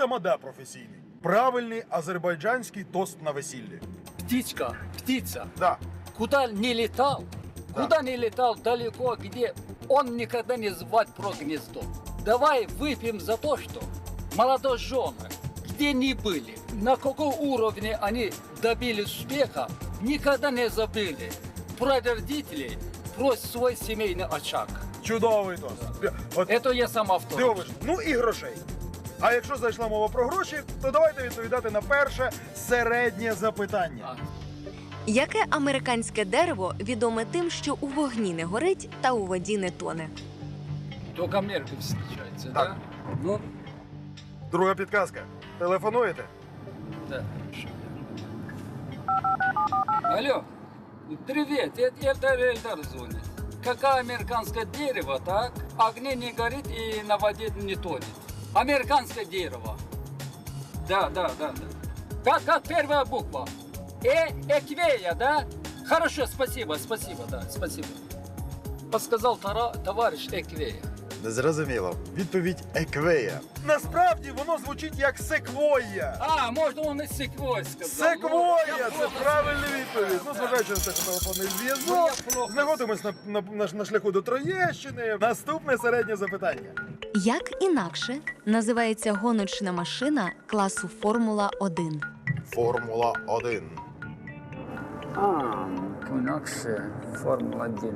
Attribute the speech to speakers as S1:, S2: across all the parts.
S1: тамада професійний. Правильний азербайджанський тост на весіллі.
S2: Птичка, птица.
S1: Да.
S2: Куда не летал,
S1: Да.
S2: куда не летал далеко, где он никогда не звать про гнездо. Давай выпьем за то, что молодожены, где ни были, на каком уровне они добились успеха, никогда не забыли про родителей, про свой семейный очаг.
S1: Чудовий тост. От
S2: Это я сам автор.
S1: дивиш. Ну і грошей. А якщо зайшла мова про гроші, то давайте відповідати на перше середнє запитання.
S2: А,
S3: Яке американське дерево відоме тим, що у вогні не горить та у воді не тоне?
S2: Только Америка встречается,
S1: Так.
S2: да? Ну,
S1: Друга підказка. Телефонуєте?
S2: да. Алло, привет, это Эльдар звонит. Какое американское дерево, так? Огне не горит и на воде не тонет. Американское дерево. Да. Как первая буква? Эквея, да? Хорошо, спасибо, да, спасибо. Подсказал товарищ Эквея.
S1: Не зрозуміло. Відповідь еквея. Насправді воно звучить як секвоя.
S2: А, можно он и секвой сказал.
S1: Секвоя! Це правильна відповідь. Ну, зважаючи на те, що телефонний зв'язок. Знаходимось на шляху до Троєщини. Наступне середнє запитання.
S3: Як інакше називається гоночна машина класу Формула-1?
S1: Формула-1.
S2: Инакше Формула-1.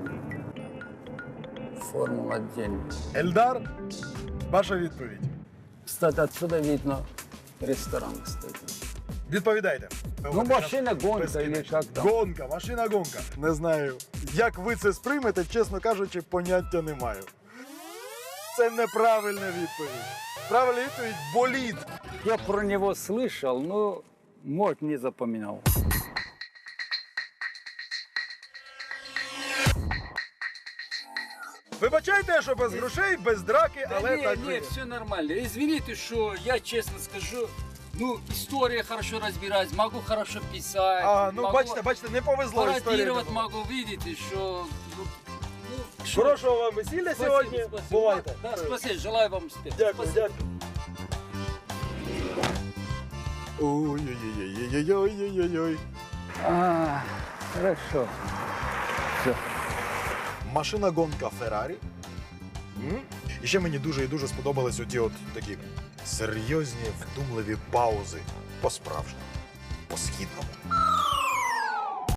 S2: Формула-1.
S1: Ельдар, ваша відповідь.
S2: Кстати, отсюда видно ресторан, кстати.
S1: Відповідайте.
S2: Ну, машина-гонка
S1: Безкінечно.
S2: или как там?
S1: Гонка, машина-гонка. Не знаю, як ви це сприймете, чесно кажучи, поняття не маю. Це неправильна відповідь. Правильна відповідь – болід.
S2: Я про него слышал, но, может, не запоминал.
S1: Вибачайте, що без грошей, без драки, але
S2: не,
S1: так
S2: не,
S1: живе.
S2: все нормально. Извините, что я честно скажу, ну, история хорошо разбираюсь, могу хорошо писать.
S1: А, ну
S2: могу
S1: бачите, не повезло історії.
S2: пародировать могу, видите, что... Ну, что-
S1: Хорошого вам весілля
S2: Спасибо,
S1: сьогодні.
S2: спасибо.
S1: Бувайте.
S2: Да, спасибо, желаю вам успеха.
S1: Дякую,
S2: Спасибо.
S1: дякую. Ой-ой-ой-ой-ой-ой-ой-ой.
S2: Хорошо. Все.
S1: Машина-гонка Феррарі. І ще мені дуже і дуже сподобались оті от такі серйозні, вдумливі паузи. По-справжньому. По-східному.